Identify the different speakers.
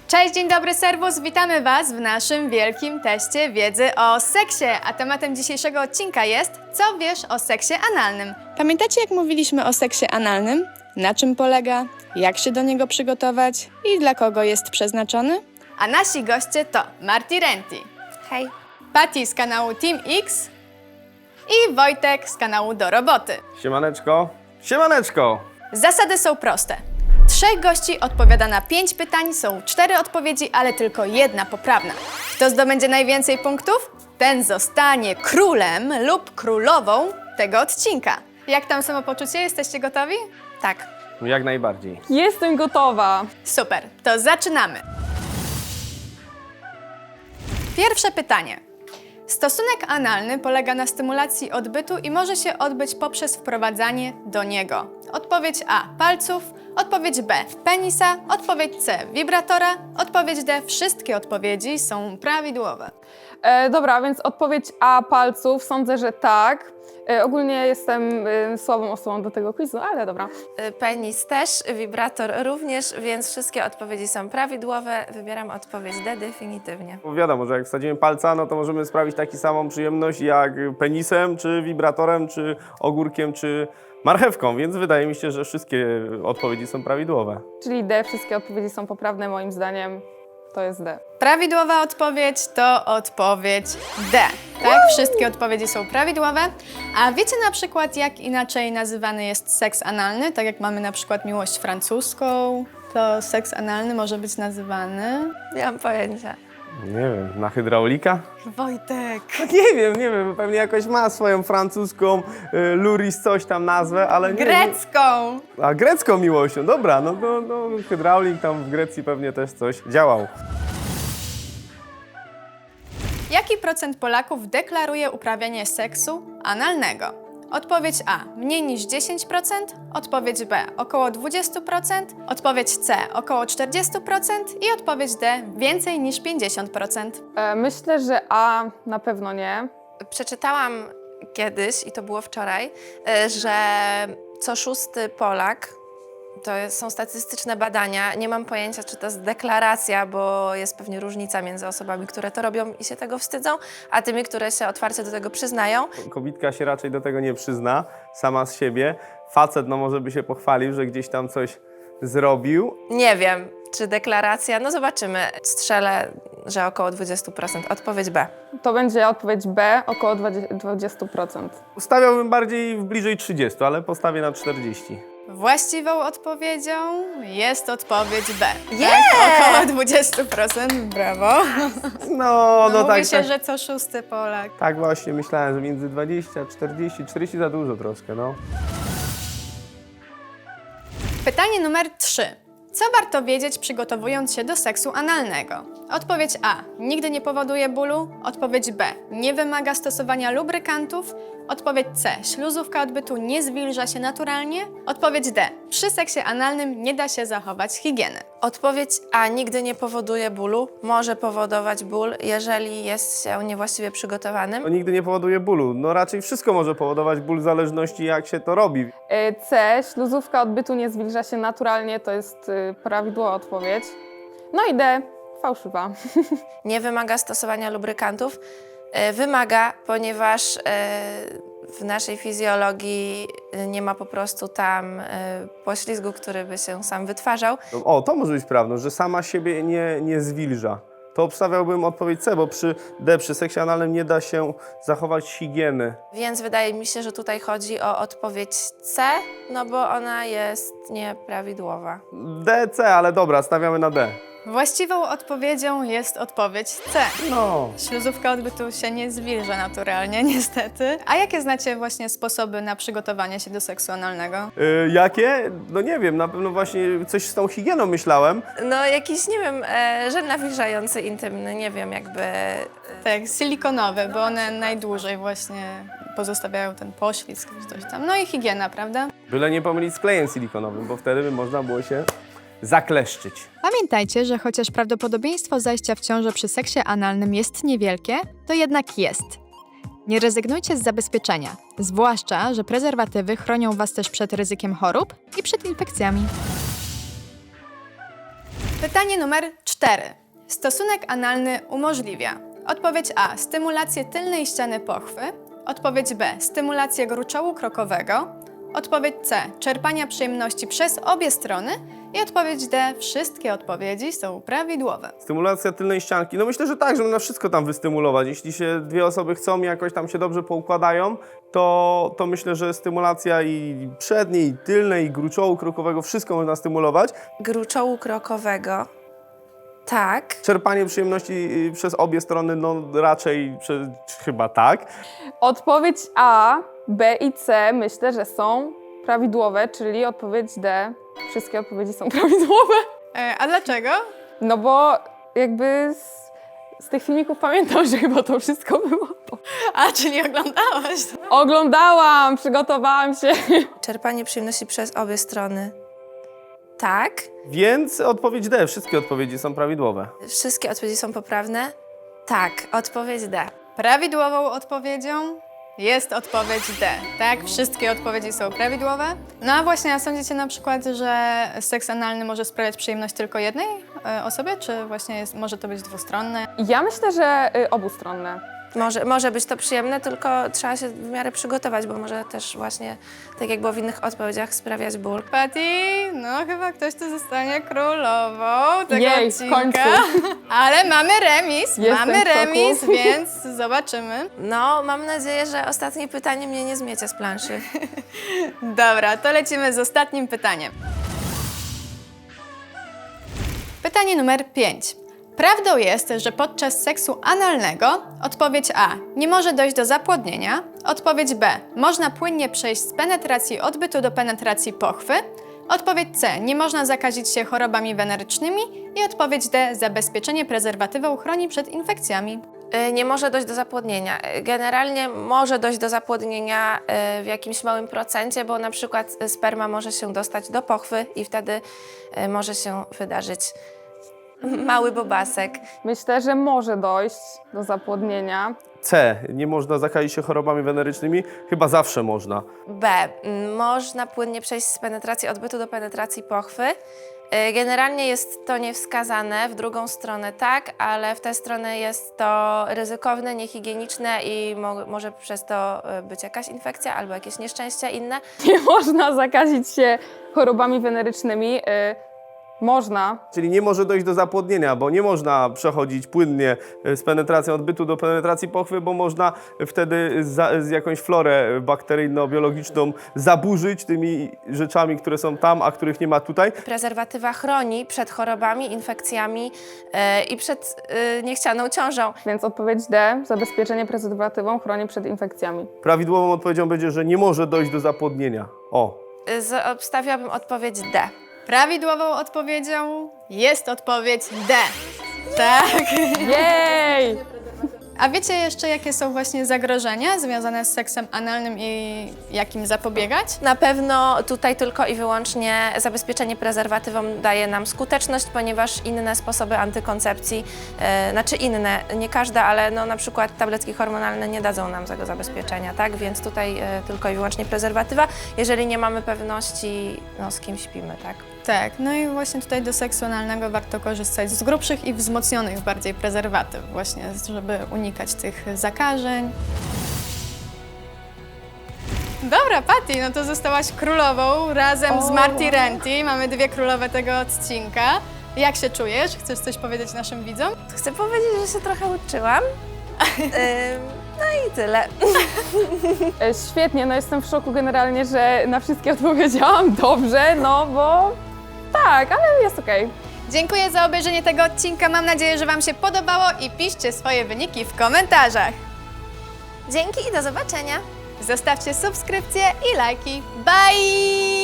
Speaker 1: Cześć, dzień dobry serwus, witamy Was w naszym wielkim teście wiedzy o seksie, a tematem dzisiejszego odcinka jest co wiesz o seksie analnym.
Speaker 2: Pamiętacie, jak mówiliśmy o seksie analnym? Na czym polega, jak się do niego przygotować i dla kogo jest przeznaczony?
Speaker 1: A nasi goście to Marti Renti,
Speaker 3: Hej.
Speaker 1: Patty z kanału Team X i Wojtek z kanału Do Roboty.
Speaker 4: Siemaneczko. Siemaneczko!
Speaker 1: Zasady są proste. 3 gości odpowiada na 5 pytań, są 4 odpowiedzi, ale tylko jedna poprawna. Kto zdobędzie najwięcej punktów, ten zostanie królem lub królową tego odcinka. Jak tam samopoczucie? Jesteście gotowi?
Speaker 3: Tak.
Speaker 4: Jak najbardziej.
Speaker 2: Jestem gotowa!
Speaker 1: Super, to zaczynamy. Pierwsze pytanie. Stosunek analny polega na stymulacji odbytu i może się odbyć poprzez wprowadzanie do niego. Odpowiedź A – palców, odpowiedź B – penisa, odpowiedź C – wibratora, odpowiedź D – wszystkie odpowiedzi są prawidłowe.
Speaker 5: Dobra, więc odpowiedź A palców, sądzę, że tak. Ogólnie jestem słabą osobą do tego quizu, ale dobra.
Speaker 3: Penis też, wibrator również, więc wszystkie odpowiedzi są prawidłowe. Wybieram odpowiedź D definitywnie.
Speaker 4: Bo wiadomo, że jak wsadzimy palca, no to możemy sprawić taką samą przyjemność jak penisem, czy wibratorem, czy ogórkiem, czy marchewką, więc wydaje mi się, że wszystkie odpowiedzi są prawidłowe.
Speaker 5: Czyli D, wszystkie odpowiedzi są poprawne moim zdaniem. To jest D.
Speaker 1: Prawidłowa odpowiedź to odpowiedź D. Tak, wszystkie odpowiedzi są prawidłowe. A wiecie na przykład, jak inaczej nazywany jest seks analny? Tak jak mamy na przykład miłość francuską, to seks analny może być nazywany...
Speaker 3: Nie mam pojęcia.
Speaker 4: Nie wiem, na hydraulika?
Speaker 1: Wojtek.
Speaker 4: No nie wiem, pewnie jakoś ma swoją francuską, luris coś tam nazwę, ale nie.
Speaker 1: Grecką.
Speaker 4: A grecką miłością, dobra, no hydraulik tam w Grecji pewnie też coś działał.
Speaker 1: Jaki procent Polaków deklaruje uprawianie seksu analnego? Odpowiedź A – mniej niż 10%, odpowiedź B – około 20%, odpowiedź C – około 40% i odpowiedź D – więcej niż 50%.
Speaker 5: Myślę, że A na pewno nie.
Speaker 3: Przeczytałam kiedyś, i to było wczoraj, że co 6. Polak, są statystyczne badania, nie mam pojęcia, czy to jest deklaracja, bo jest pewnie różnica między osobami, które to robią i się tego wstydzą, a tymi, które się otwarcie do tego przyznają.
Speaker 4: Kobitka się raczej do tego nie przyzna, sama z siebie. Facet no może by się pochwalił, że gdzieś tam coś zrobił.
Speaker 3: Nie wiem, czy deklaracja, no zobaczymy. Strzelę, że około 20%. Odpowiedź B.
Speaker 5: To będzie odpowiedź B, około 20%.
Speaker 4: Stawiałbym bardziej bliżej 30, ale postawię na 40.
Speaker 1: Właściwą odpowiedzią jest odpowiedź B.
Speaker 3: Yeah!
Speaker 1: Tak, około 20%, brawo.
Speaker 4: No
Speaker 1: Mówi
Speaker 4: tak,
Speaker 1: się,
Speaker 4: tak.
Speaker 1: że co 6. Polak.
Speaker 4: Tak właśnie myślałem, że między 20 a 40, 40 za dużo troszkę, no.
Speaker 1: Pytanie numer 3. Co warto wiedzieć, przygotowując się do seksu analnego? Odpowiedź A. Nigdy nie powoduje bólu. Odpowiedź B. Nie wymaga stosowania lubrykantów. Odpowiedź C. Śluzówka odbytu nie zwilża się naturalnie. Odpowiedź D. Przy seksie analnym nie da się zachować higieny.
Speaker 3: Odpowiedź A nigdy nie powoduje bólu. Może powodować ból, jeżeli jest się niewłaściwie przygotowanym.
Speaker 4: To nigdy nie powoduje bólu. No raczej wszystko może powodować ból w zależności jak się to robi.
Speaker 5: C, śluzówka odbytu nie zwilża się naturalnie, to jest prawidłowa odpowiedź. No i D, fałszywa.
Speaker 3: Nie wymaga stosowania lubrykantów. Wymaga, ponieważ w naszej fizjologii nie ma po prostu tam poślizgu, który by się sam wytwarzał.
Speaker 4: O, to może być prawdą, że sama siebie nie zwilża. To obstawiałbym odpowiedź C, bo przy D, przy seksie analnym nie da się zachować higieny.
Speaker 3: Więc wydaje mi się, że tutaj chodzi o odpowiedź C, no bo ona jest nieprawidłowa.
Speaker 4: D, C, ale dobra, stawiamy na D.
Speaker 1: Właściwą odpowiedzią jest odpowiedź C.
Speaker 4: No.
Speaker 1: Śluzówka odbytu się nie zwilża naturalnie, niestety. A jakie znacie właśnie sposoby na przygotowanie się do seksu analnego?
Speaker 4: Jakie? No nie wiem, na pewno właśnie coś z tą higieną myślałem.
Speaker 3: No jakiś, nie wiem, żel nawilżający intymny, nie wiem, jakby...
Speaker 1: Tak, silikonowe, bo one najdłużej właśnie pozostawiają ten poślizg czy coś tam. No i higiena, prawda?
Speaker 4: Byle nie pomylić z klejem silikonowym, bo wtedy by można było się zakleszczyć.
Speaker 1: Pamiętajcie, że chociaż prawdopodobieństwo zajścia w ciążę przy seksie analnym jest niewielkie, to jednak jest. Nie rezygnujcie z zabezpieczenia, zwłaszcza, że prezerwatywy chronią Was też przed ryzykiem chorób i przed infekcjami. Pytanie numer 4. Stosunek analny umożliwia. Odpowiedź A. Stymulację tylnej ściany pochwy. Odpowiedź B. Stymulację gruczołu krokowego. Odpowiedź C. Czerpania przyjemności przez obie strony. I odpowiedź D. Wszystkie odpowiedzi są prawidłowe.
Speaker 4: Stymulacja tylnej ścianki. No myślę, że tak, żeby na wszystko tam wystymulować. Jeśli się dwie osoby chcą i jakoś tam się dobrze poukładają, to myślę, że stymulacja i przedniej, i tylnej, i gruczołu krokowego, wszystko można stymulować.
Speaker 3: Gruczołu krokowego. Tak.
Speaker 4: Czerpanie przyjemności przez obie strony, no raczej chyba tak.
Speaker 5: Odpowiedź A, B i C myślę, że są prawidłowe, czyli odpowiedź D. Wszystkie odpowiedzi są prawidłowe.
Speaker 1: A dlaczego?
Speaker 5: No bo jakby z tych filmików pamiętam, że chyba to wszystko było.
Speaker 1: A, czyli oglądałaś.
Speaker 5: Oglądałam, przygotowałam się.
Speaker 3: Czerpanie przyjemności przez obie strony. Tak.
Speaker 4: Więc odpowiedź D. Wszystkie odpowiedzi są prawidłowe.
Speaker 3: Wszystkie odpowiedzi są poprawne. Tak. Odpowiedź D.
Speaker 1: Prawidłową odpowiedzią jest odpowiedź D. Tak, wszystkie odpowiedzi są prawidłowe. No a właśnie, a sądzicie na przykład, że seks analny może sprawiać przyjemność tylko jednej osobie, czy właśnie może to być dwustronne?
Speaker 5: Ja myślę, że obustronne.
Speaker 3: Może być to przyjemne, tylko trzeba się w miarę przygotować, bo może też właśnie, tak jak było w innych odpowiedziach, sprawiać ból.
Speaker 1: Patty, no chyba ktoś tu zostanie królową tego
Speaker 5: Jej, w
Speaker 1: odcinka.
Speaker 5: końcu.
Speaker 1: Ale mamy remis,
Speaker 5: Jestem w szoku.
Speaker 1: więc zobaczymy.
Speaker 3: No, mam nadzieję, że ostatnie pytanie mnie nie zmiecie z planszy.
Speaker 1: Dobra, to lecimy z ostatnim pytaniem. Pytanie numer 5. Prawdą jest, że podczas seksu analnego odpowiedź A. Nie może dojść do zapłodnienia. Odpowiedź B. Można płynnie przejść z penetracji odbytu do penetracji pochwy. Odpowiedź C. Nie można zakazić się chorobami wenerycznymi. I odpowiedź D. Zabezpieczenie prezerwatywą chroni przed infekcjami.
Speaker 3: Nie może dojść do zapłodnienia. Generalnie może dojść do zapłodnienia w jakimś małym procencie, bo na przykład sperma może się dostać do pochwy i wtedy może się wydarzyć mały bobasek.
Speaker 5: Myślę, że może dojść do zapłodnienia.
Speaker 4: C. Nie można zakazić się chorobami wenerycznymi. Chyba zawsze można.
Speaker 3: B. Można płynnie przejść z penetracji odbytu do penetracji pochwy. Generalnie jest to niewskazane, w drugą stronę tak, ale w tę stronę jest to ryzykowne, niehigieniczne i może przez to być jakaś infekcja albo jakieś nieszczęścia inne.
Speaker 5: Nie można zakazić się chorobami wenerycznymi. Można.
Speaker 4: Czyli nie może dojść do zapłodnienia, bo nie można przechodzić płynnie z penetracją odbytu do penetracji pochwy, bo można wtedy z jakąś florę bakteryjno-biologiczną zaburzyć tymi rzeczami, które są tam, a których nie ma tutaj.
Speaker 3: Prezerwatywa chroni przed chorobami, infekcjami i przed niechcianą ciążą.
Speaker 5: Więc odpowiedź D. Zabezpieczenie prezerwatywą chroni przed infekcjami.
Speaker 4: Prawidłową odpowiedzią będzie, że nie może dojść do zapłodnienia. O.
Speaker 3: Obstawiałabym odpowiedź D.
Speaker 1: Prawidłową odpowiedzią jest odpowiedź D. Tak.
Speaker 5: Jej!
Speaker 1: A wiecie jeszcze, jakie są właśnie zagrożenia związane z seksem analnym i jak im zapobiegać?
Speaker 3: Na pewno tutaj tylko i wyłącznie zabezpieczenie prezerwatywą daje nam skuteczność, ponieważ inne sposoby antykoncepcji, znaczy inne, nie każda, ale no na przykład tabletki hormonalne nie dadzą nam tego zabezpieczenia, tak? Więc tutaj tylko i wyłącznie prezerwatywa, jeżeli nie mamy pewności, no z kim śpimy, tak?
Speaker 1: Tak, no i właśnie tutaj do seksu analnego warto korzystać z grubszych i wzmocnionych bardziej prezerwatyw, właśnie, żeby unikać tych zakażeń. Dobra, Patty, no to zostałaś królową razem z Marty Renty. Mamy dwie królowe tego odcinka. Jak się czujesz? Chcesz coś powiedzieć naszym widzom?
Speaker 3: Chcę powiedzieć, że się trochę uczyłam. No i tyle.
Speaker 5: Świetnie, no jestem w szoku generalnie, że na wszystkie odpowiedziałam dobrze, no bo tak, ale jest okej.
Speaker 1: Dziękuję za obejrzenie tego odcinka. Mam nadzieję, że Wam się podobało i piszcie swoje wyniki w komentarzach.
Speaker 3: Dzięki i do zobaczenia.
Speaker 1: Zostawcie subskrypcje i lajki. Bye!